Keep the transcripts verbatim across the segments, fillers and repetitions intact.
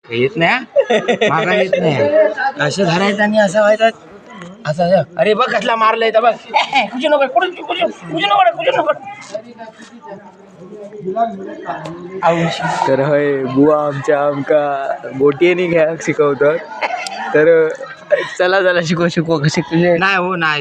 येत नाही मागा येत नाही असं धरायचं आणि असं व्हायचं असं. अरे बघ कसला मारलंय तर बघ कुठे नको कुठे कुठे कुठे नको कुठे नको. तर होय बुवा आमच्या आमका गोटीने घ्या शिकवतात. तर चला चला शिकव शिकव कसे तुझे नाही हो नाही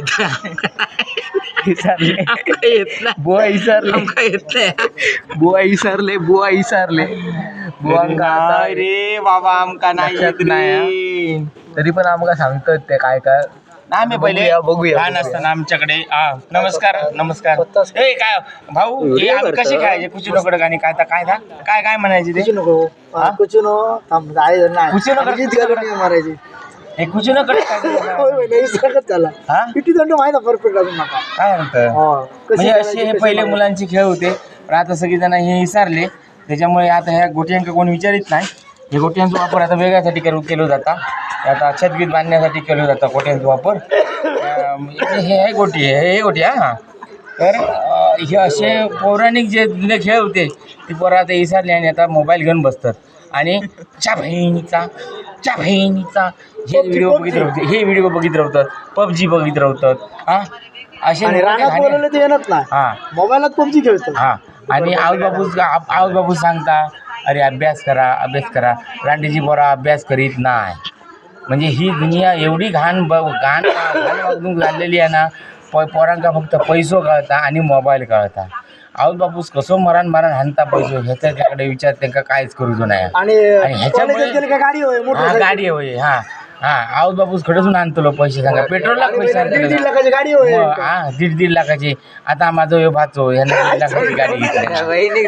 येत नाही बुवा इसारले येत नाही बुवा इसारले बुवा इसारले बुवा काय रे बाबा आमका नाही येत नाही. तरी पण आमका सांगतात ते काय काय आम्ही पहिले बघूया लहान असताना आमच्याकडे हा नमस्कार नमस्कार ए काय भाऊ हे आम्ही कसे खेळायचे कुची नकडक आणि काय तर काय काय काय म्हणायचे ते नको कुछ नो कुची नकडक मारायची हे कुची नकडक त्याला हा किती दंड माहिती परफेक्ट अजून नका काय म्हणतं म्हणजे असे हे पहिले मुलांचे खेळ होते पण आता सगळी जण हे विसरले. त्याच्यामुळे आता ह्या गोट्यांका कोण विचारित नाही. हे गोट्यांचा वापर आता वेगळ्यासाठी करू केला जाता. आता छतगीत बांधण्यासाठी केलं जातं गोट्यांचा वापर. हे आहे गोटी हे गोटी हा. तर हे असे पौराणिक जे जुने खेळ होते ते पोरं आता विसरले आणि आता मोबाईल घेऊन बसतात आणि च्या बहिणीचा च्या बहिणीचा हे व्हिडिओ बघित राहते हे व्हिडिओ बघित राहतात पबजी बघित राहतात हा असे हां मोबाईलात पबजी खेळतात हां. आणि आऊस बापूस आऊस बापूस सांगता अरे अभ्यास करा अभ्यास करा. रांडेची पोरा अभ्यास करीत नाही. म्हणजे ही दुनिया एवढी घाण ब घाण घाण वागणूक झालेली आहे ना. प पोरांका फक्त पैसो कळता आणि मोबाईल कळता. आऊस बापूस कसो मरण मरण हाणता पैसो ह्याचा त्याकडे विचार त्यांना काहीच करूचो नाही. आणि ह्याच्यामुळे हा गाडी होय हा हा आऊस बापूस खडसून आणतो पैसे सांगा पेट्रोलला पैसे गाडी हा दीड दीड लाखाची. आता माझं हे भाचो ह्यानं दीड लाखाची गाडी घेतली.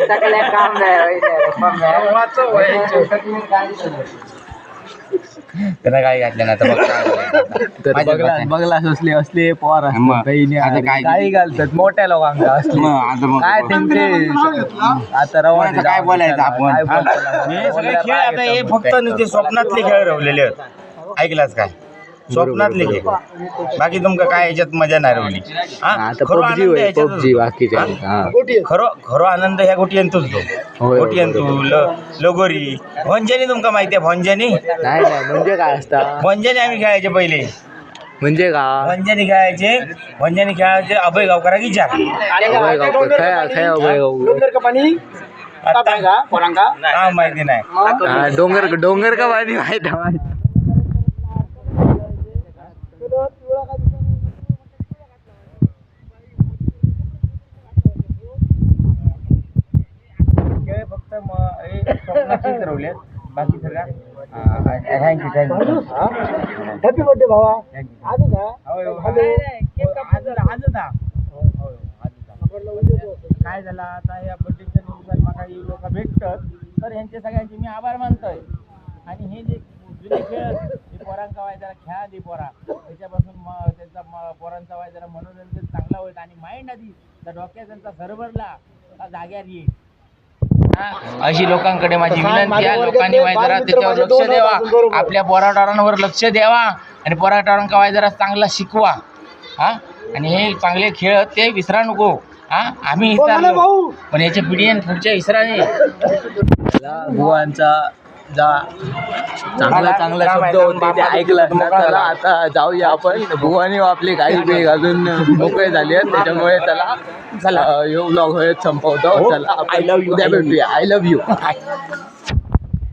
त्यांना काय घातलं ना तर बघला बघला असले असले पोर बहिणी आता काय काही घालतात मोठ्या लोकांना असले काय त्यांचे आता रवाना काय बोलायचं आपण. हे सगळे खेळ आता हे फक्त नुसते स्वप्नातले खेळ रवलेले आहेत. ऐकलाच काय स्वप्नातले खेळ बाकी तुमका काय याच्यात मजा नाही रवली. पबजी बाकीचे खरो खरो आनंद ह्या गोटी आणतोच तो गोटी आणतो लगोरी भंजनी तुमका माहिती आहे भंजनी नाही नाही म्हणजे काय असतं भंजनी आम्ही खेळायचे पहिले म्हणजे का भंजनी खेळायचे भंजनी खेळायचे अभय गावकरा विचार माहिती नाही डोंगर डोंगर का पाणी माहिती माहिती फक्त स्वप्नातच रवले बाकी सगळ्या थँक्यू थँक्यू हॅपी बर्थडे भावा आजच काय झालं आता या बर्थडेच्या निमित्तानं मला लोक भेटतात तर ह्यांचे सगळ्यांचे मी आभार मानतोय. आणि हे जे जुने खेळ हे पोरांचा वाय जरा खेळा दे पोरा त्याच्यापासून मग त्यांचा म पोरांचा वाय जरा मनोरंजन चांगला होईल आणि माइंड आधी त्या डोक्यात त्यांचा सरभरला जाग्यावर येईल. अशी लोकांकडे माझी विनंती आहे. लोकांनी वाय जरा त्याच्यावर लक्ष द्यावा आपल्या पोराटोरांवर लक्ष द्यावा आणि पोराटोरांका वाय जरा चांगला शिकवा हा. आणि हे चांगले खेळ ते विसरा नको हा. आम्ही विसरलो पण याच्या पिढी पुढच्या विसराने बुवांचा जा चांगला चांगला शब्द होते ते ऐकला त्याला. आता जाऊया आपण बुवानी आपले काही बेग अजून मोकळे झाले आहेत त्याच्यामुळे त्याला चला यो ब्लॉग होत संपवतो. चला आय लव्ह यू भेटूया. I love you.